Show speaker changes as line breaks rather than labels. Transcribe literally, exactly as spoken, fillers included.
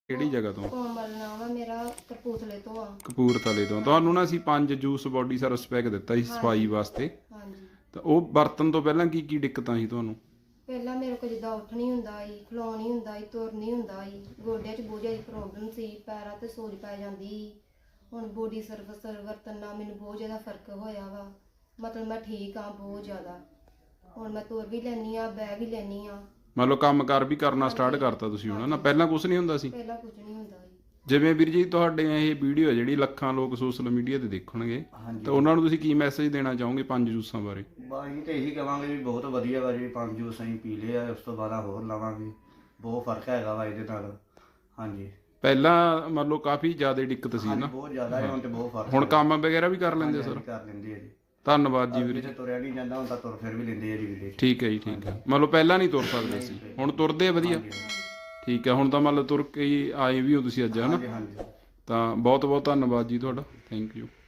ਕਿਹੜੀ ਜਗ੍ਹਾ ਤੋਂ?
ਕੋਮਲ ਨਾਮ ਆ ਮੇਰਾ, ਕਪੂਰਥਲੇ ਤੋਂ ਆ।
ਕਪੂਰਥਲੇ ਤੋਂ। ਤੁਹਾਨੂੰ ਨਾ ਅਸੀਂ ਪੰਜ ਜੂਸ ਬੋਡੀ ਸਰਵਿਸ ਪੈਕ ਦਿੱਤਾ ਸੀ ਸਫਾਈ ਵਾਸਤੇ,
ਹਾਂਜੀ।
ਤਾਂ ਉਹ ਵਰਤਣ ਤੋਂ ਪਹਿਲਾਂ ਕੀ ਕੀ ਦਿੱਕਤਾਂ ਸੀ ਤੁਹਾਨੂੰ?
ਪਹਿਲਾਂ ਮੇਰੇ ਕੋਲ ਜਿੱਦਾਂ ਉੱਠ ਨਹੀਂ ਹੁੰਦਾ ਸੀ, ਖਲੋਣ ਨਹੀਂ ਹੁੰਦਾ ਸੀ, ਤੁਰ ਨਹੀਂ ਹੁੰਦਾ ਸੀ, ਗੋਡਿਆਂ 'ਚ ਬਹੁਤ ਜ਼ਿਆਦਾ ਪ੍ਰੋਬਲਮ ਸੀ, ਪੈਰਾਂ ਤੇ ਸੋਜ ਪੈ ਜਾਂਦੀ ਸੀ। ਹੁਣ ਬੋਡੀ ਸਰਵਿਸ ਵਰਤਣ ਨਾਲ ਮੈਨੂੰ ਬਹੁਤ ਜ਼ਿਆਦਾ ਫਰਕ ਹੋਇਆ ਵਾ, ਮਤਲਬ ਮੈਂ ਠੀਕ ਆ ਬਹੁਤ ਜ਼ਿਆਦਾ। ਹੁਣ ਮੈਂ ਤੁਰ ਵੀ ਲੈਂਦੀ ਆ, ਬਹਿ ਵੀ ਲੈਂਦੀ ਆ।
ਮੰਨ ਲਓ ਕੰਮ ਕਾਰ ਵੀ ਕਰਨਾ ਸਟਾਰਟ ਕਰਤਾ ਤੁਸੀਂ ਹੁਣ ਨਾ, ਪਹਿਲਾਂ ਕੁਝ ਨਹੀਂ ਹੁੰਦਾ ਸੀ?
ਪਹਿਲਾਂ ਕੁਝ ਨਹੀਂ ਹੁੰਦਾ ਸੀ।
ਜਿਵੇਂ ਵੀਰ ਜੀ ਤੁਹਾਡੇ ਇਹ ਵੀਡੀਓ ਜਿਹੜੀ ਲੱਖਾਂ ਲੋਕ ਸੋਸ਼ਲ ਮੀਡੀਆ ਤੇ ਦੇਖਣਗੇ, ਤਾਂ ਉਹਨਾਂ ਨੂੰ ਤੁਸੀਂ ਕੀ ਮੈਸੇਜ ਦੇਣਾ ਚਾਹੋਗੇ ਪੰਜ ਜੂਸਾਂ ਬਾਰੇ?
ਬਾਈ ਤੇ ਇਹੀ ਕਹਾਂਗੇ ਵੀ ਬਹੁਤ ਵਧੀਆ ਵਾ ਜੀ, ਪੰਜ ਜੂਸ ਅਸੀਂ ਪੀ ਲਏ ਆ, ਉਸ ਤੋਂ ਬਾਅਦ ਹੋਰ ਲਵਾਂਗੇ। ਬਹੁਤ ਫਰਕ ਹੈਗਾ ਵਾ ਇਹਦੇ ਨਾਲ। ਹਾਂਜੀ,
ਪਹਿਲਾਂ ਮੰਨ ਲਓ ਕਾਫੀ ਜ਼ਿਆਦਾ ਦਿੱਕਤ ਸੀ ਨਾ,
ਬਹੁਤ ਜ਼ਿਆਦਾ ਹੈ, ਹੁਣ ਤੇ ਬਹੁਤ ਫਰਕ।
ਹੁਣ ਕੰਮ ਵਗੈਰਾ ਵੀ ਕਰ ਲੈਂਦੇ ਸਰ?
ਕਰ ਲੈਂਦੇ ਆ ਜੀ।
ਧੰਨਵਾਦ ਜੀ ਵੀਰ ਜੀ।
ਤੁਰਿਆ ਨਹੀਂ ਜਾਂਦਾ ਹੁਣ ਤਾਂ ਤੁਰ ਫਿਰ ਵੀ ਲੈਂਦੇ ਆ ਜੀ ਵੀਰੇ।
ਠੀਕ ਹੈ ਜੀ, ਠੀਕ ਹੈ। ਮੰਨ ਲਓ ਪਹਿਲਾਂ ਨਹੀਂ ਤੁਰ ਸਕਦੇ ਸੀ, ਹੁਣ ਤੁਰਦੇ ਆ ਵਧੀਆ? ਠੀਕ ਹੈ। ਹੁਣ ਤਾਂ ਮੰਨ ਲਓ ਤੁਰ ਕੇ ਹੀ ਆਏ ਵੀ ਹੋ ਤੁਸੀਂ ਅੱਜ, ਹੈ ਨਾ?
ਹਾਂਜੀ।
ਤਾਂ ਬਹੁਤ ਬਹੁਤ ਧੰਨਵਾਦ ਜੀ ਤੁਹਾਡਾ, ਥੈਂਕ ਯੂ।